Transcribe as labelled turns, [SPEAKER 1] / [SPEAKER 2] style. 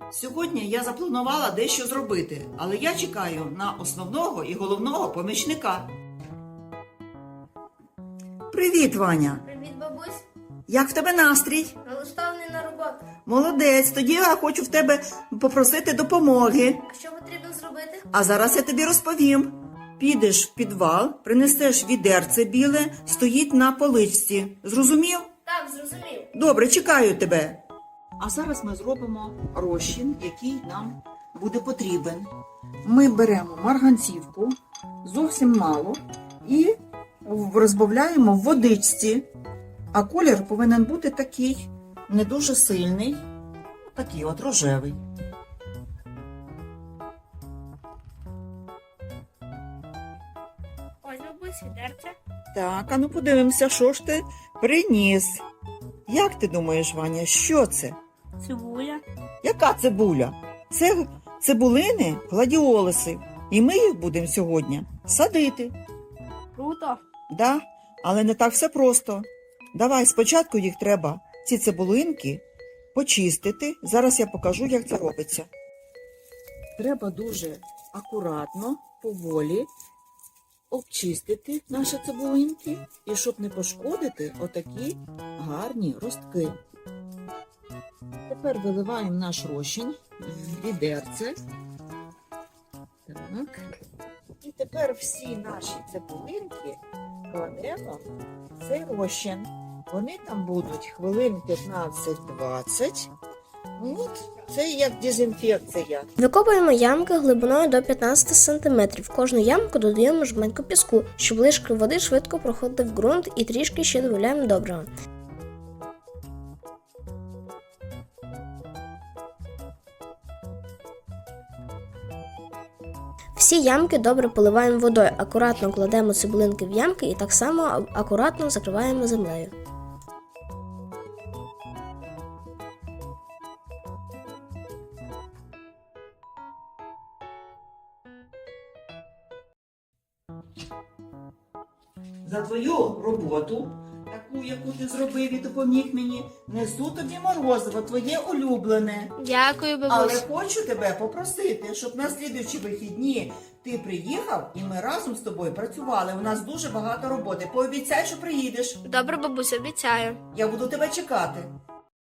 [SPEAKER 1] Сьогодні я запланувала дещо зробити, але я чекаю на основного і головного помічника. Привіт, Ваня!
[SPEAKER 2] Привіт, бабусь.
[SPEAKER 1] Як в тебе настрій?
[SPEAKER 2] Налаштований на роботу.
[SPEAKER 1] Молодець, тоді я хочу в тебе попросити допомоги.
[SPEAKER 2] А що потрібно зробити?
[SPEAKER 1] А зараз я тобі розповім. Підеш в підвал, принесеш відерце біле, стоїть на поличці. Зрозумів?
[SPEAKER 2] Так, зрозумів.
[SPEAKER 1] Добре, чекаю тебе. А зараз ми зробимо розчин, який нам буде потрібен. Ми беремо марганцівку, зовсім мало, і розбавляємо в водичці. А колір повинен бути такий, не дуже сильний, такий от рожевий.
[SPEAKER 2] Ось, бабусь, відерце.
[SPEAKER 1] Так, а ну подивимося, що ж ти приніс. Як ти думаєш, Ваня, що це?
[SPEAKER 2] Цибуля.
[SPEAKER 1] Яка цибуля? Це цибулини гладіолуси. І ми їх будемо сьогодні садити.
[SPEAKER 2] Круто.
[SPEAKER 1] Да? Але не так все просто. Давай, спочатку їх треба, ці цибулинки, почистити. Зараз я покажу, як це робиться. Треба дуже акуратно, поволі обчистити наші цибулинки, і щоб не пошкодити отакі гарні ростки. Тепер виливаємо наш розчин в відерце. Так. І тепер всі наші цибулинки кладемо в цей розчин. Вони там будуть хвилин 15-20. От, це як дезінфекція.
[SPEAKER 3] Викопуємо ямки глибиною до 15 см. В кожну ямку додаємо жменьку піску, щоб лишки води швидко проходили в ґрунт, і трішки ще додаємо добрива. Всі ямки добре поливаємо водою, акуратно кладемо цибулинки в ямки і так само акуратно закриваємо землею.
[SPEAKER 1] За твою роботу, таку, яку ти зробив і допоміг мені, несу тобі морозиво, твоє улюблене.
[SPEAKER 2] Дякую,
[SPEAKER 1] Але хочу тебе попросити, щоб на слідуючі вихідні ти приїхав і ми разом з тобою працювали. У нас дуже багато роботи. Пообіцяй, що приїдеш.
[SPEAKER 2] Добре, бабусь, обіцяю.
[SPEAKER 1] Я буду тебе чекати.